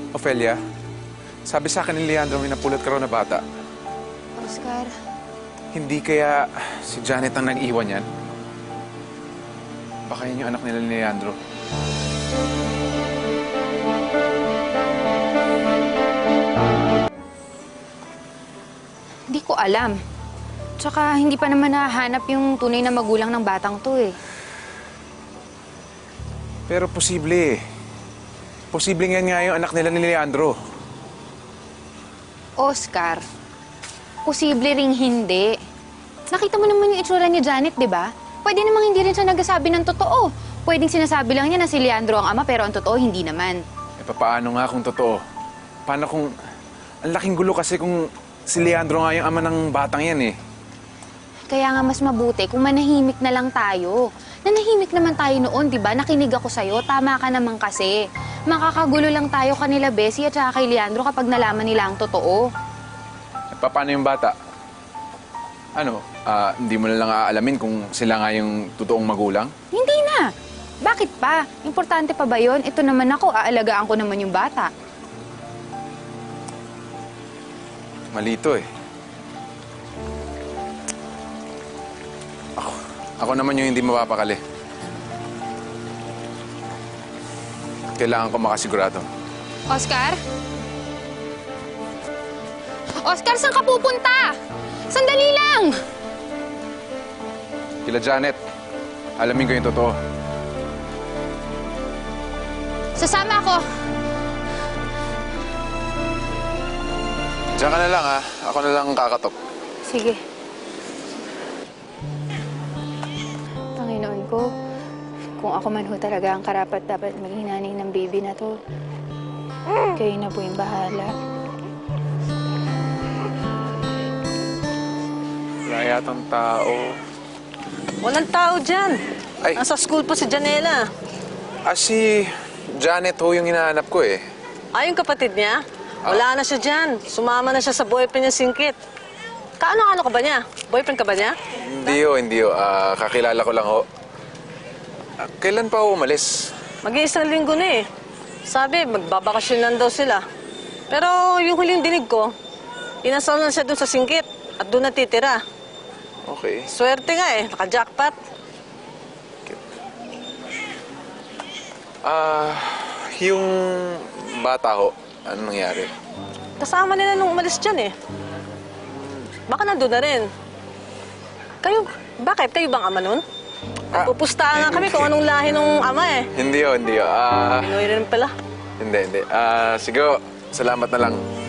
Ofelia, sabi sa akin ni Leandro may napulot ka raw na bata. Oscar, Hindi kaya si Janet ang nag-iwan yan? Baka yun yung anak nila ni Leandro. hindi ko alam. Tsaka hindi pa naman nahanap yung tunay na magulang ng batang to eh. Pero posible eh. Posible nga yung anak nila ni Leandro. Oscar, posible ring hindi. Nakita mo naman yung itsura ni Janet, di ba? Pwede namang hindi rin siya nagsasabi ng totoo. Pwedeng sinasabi lang niya na si Leandro ang ama pero ang totoo hindi naman. Paano nga kung totoo? Paano kung... Ang laking gulo kasi kung si Leandro nga yung ama ng batang yan eh. Kaya nga mas mabuti kung manahimik na lang tayo. Nanahimik naman tayo noon, di ba? Nakinig ako sa'yo, tama ka naman kasi. Makakagulo lang tayo kanila, Bessie, at saka kay Leandro kapag nalaman nila ang totoo. Paano yung bata? Ano, hindi mo na lang aalamin kung sila nga yung totoong magulang? Hindi na. Bakit pa? Importante pa ba yun? Ito naman ako, aalagaan ko naman yung bata. Malito eh. Ako naman yung hindi mapapakali. Kailangan ko makasigurado. Oscar? Oscar, saan ka pupunta? Sandali lang! Kila Janet, alamin ko yung totoo. Sasama ako. Diyan ka na lang ha. Ako na lang kakatok. Sige. Panginoon ko, kung ako man ho talaga ang karapat dapat maging nanay ng baby na to, kayo na po yung bahala. Wala yatang tao. Walang tao dyan. Ay. Nasa school po si Janela. Si Janet ho yung hinahanap ko eh. Yung kapatid niya? Wala na siya dyan. Sumama na siya sa boyfriend niya, Singkit. Kaano-ano ka ba niya? Boyfriend ka ba niya? Hindi ho. Kakilala ko lang ho. Kailan pa ho umalis? Mag-iisang linggo na eh. Sabi, magbabakasyon lang daw sila. Pero yung huling dinig ko, inasal na siya doon sa Singkit at doon natitira. Okay. Swerte nga eh, naka-jackpot. Yung bata ho, ano nangyari? Kasama nila nung umalis dyan eh. Baka nandun na rin. Kayo, bakit? Kayo bang ama nun? Pupustahan nga kami kung anong lahi ng ama eh. Hindi ho. Pinoy rin pala. Hindi. Sige ho, salamat na lang.